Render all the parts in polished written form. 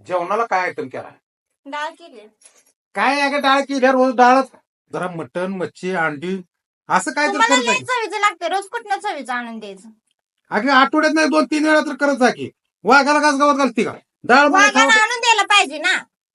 जेवणाला काय आयटम केला? डाळ केली. काय अगं डाळ केल्या रोज डाळच. जरा मटण मच्छी अंडी असं काय तर तुम्हाला करत जा लय की. चवीचं लागते, रोज कुठल्या चवीचं आणून द्यायचं. अगं आठवड्यात नाही 2-3 वेळा तर करत जा की. वाघाला घास गावात घालते का डाळ मध्ये वाघाला खाऊ. आणून द्यायला पाहिजे ना.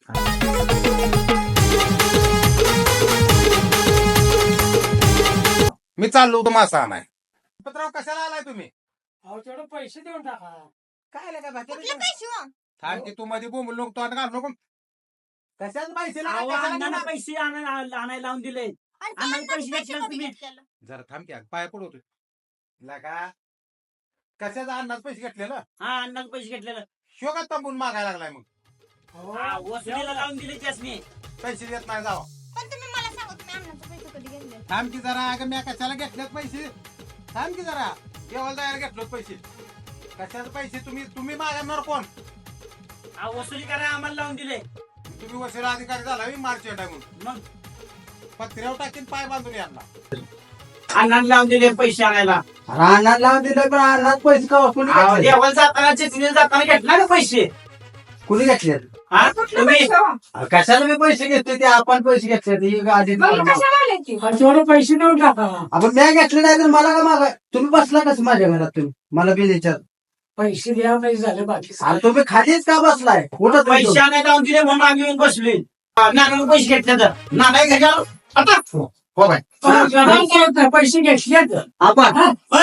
मी चाललो होतो मासा आणाय. पत्राव कशाला आलाय तुम्ही? अहो तेवढं पैसे देऊन टाका. काय लगा कुठले पैसे हो? थांब की तू मध्ये बोंबल नको तोंड घाल नको. कशाच पैसे लागा, अहो, कशाला अण्णांना घेणार? पैसे आणायला लावून दिले. आणि ते आम्हाला अण्णांनी पैसे घेतले कशामध्ये तुम्ही. घेतलेलं? जरा थांब की पाय पडवतो. लगा कशाचा अन्नाच पैसे घेतलेलं? हा अण्णाला पैसे घेतलेलं. शोका तंबून मागायला लागलाय मग. हा, वसुलीला लावून दिले त्यासनी. पैसे देत नाही जावा. पण तुम्ही मला सांगा, तुम्ही अण्णांचे पैसे कधी घेतले? थांब की जरा अगं मी कशाला घेतलेत पैसे? थांब की जरा केवळ जायला घेतलोत पैसे. कशाचे पैसे तुम्ही मागणार कोण? हा, वसुली करा आम्हाला लावून दिले. तुम्ही वशिला अधिकारी झाला मी मार्च टाकून मग पत्र्यावर टाकीन पाय बांधून यांना. अण्णाला लावून दिले पैसे आणायला. रानात लावून दिलं पण रानात पैसे का कुणी अहो, घेतले? देवाला जाताना चिचणीला जाताना घेतला ना पैसे. कुणी घेतले हा तुम्ही कशाला मी पैसे घेतले ते आपण पैसे घेतले ही गाडी तेवढे पैसे देऊन टाका. आपण मी घेतले नाही तर मला का मागा तुम्ही बसला कसं माझ्या घरात तुम्ही मला बी विचार पैसे द्या पैसे झाले बाकी अरे तुम्ही खालीच का बसलाय कुठं पैसे आणायला लावून दिले म्हणून आम्ही येऊन बसले. नानाला पैसे घेतले तर नाना घ्यायला आता हो बाय पैसे घेतले तर आपण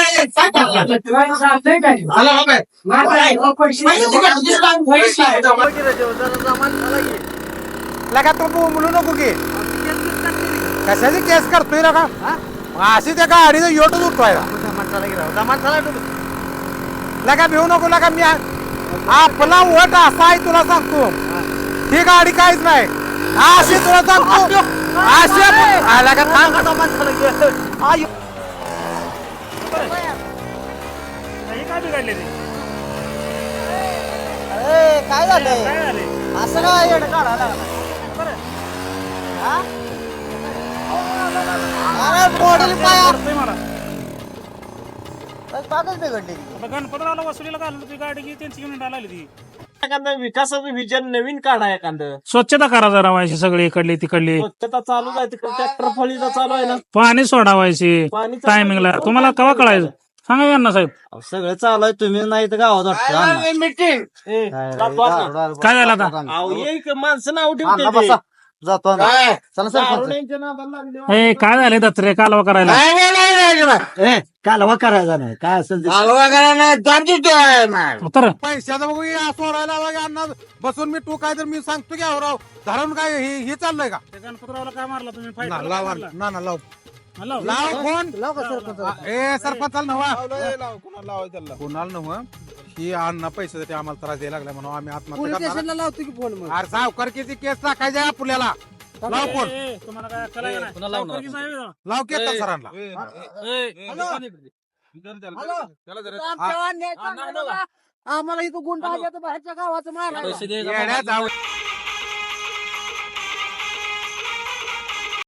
लगा तो बोलू नको की कशाची केस करतोय लगा अशी त्या गाडीचं योटच उठवायला लगा भिवू नको लगा मी आपला वट असा आहे तुला सांगतो. ही गाडी काहीच नाही अशी तुला सांगतो अशी लगा काय बिघडले ते? काय झालंय काय झाले? असं काय येडं काढायला अरे मोडील पाय वाटतंय मला. कागद बिघडली आता गणपतरावला वसुलीला घालून ती गाडी घे त्यांची घेऊन आली ती. एखादं विकासाचं विजन नवीन काढा एखादं स्वच्छता करा जरा व्हायची सगळी इकडली तिकडली. स्वच्छता चालू आहे तिकडे ट्रॅक्टर फळीचा चालू आहे ना पाणी सोडावायची पाणी चालू टायमिंगला. आहे. तुम्हाला केव्हा कळायचं सांगा यांना साहेब. अहो, सगळं चालू आहे तुम्ही नाही तर गावात वाटतं अण्णा. मीटिंग ए, जातो आता. काय झालं आता? अहो, एक माणसं नाव ठेवते ते. जातो काय चला सर दारुड्यांच्या नादाला लागले. ए काय झाले दत्रे कालवा करायला? कालवा करायचा नाही काय असेल ते उतर. पैशाचं बघू सोडायला अण्णा बसून मी तू काय तर मी सांगतो की राव धरून काय हे चाललंय का? गणपतरावला काय मारला तुम्ही? फाईट ना लाव ना लाव हॅलो लाव फोन लाव का सरपंच ए सरपंचाला नव्हा कोणाला नव्हा ही अण्णा पैशासाठी आम्हाला त्रास द्यायला लागला म्हणून आम्ही आत्महत्या पोलीस करणार. स्टेशनला लावतो की फोन मग अरे सावकारकीची केस टाकायची आहे आपल्याला. लाव फोन तुम्हाला काय कळायला नाही? सावकारकी साहेब आहे. लाव केस सरांना. आम्हाला इथं गुंडा आल्या तर बाहेरच्या गावाचं मारा येड्या जाऊ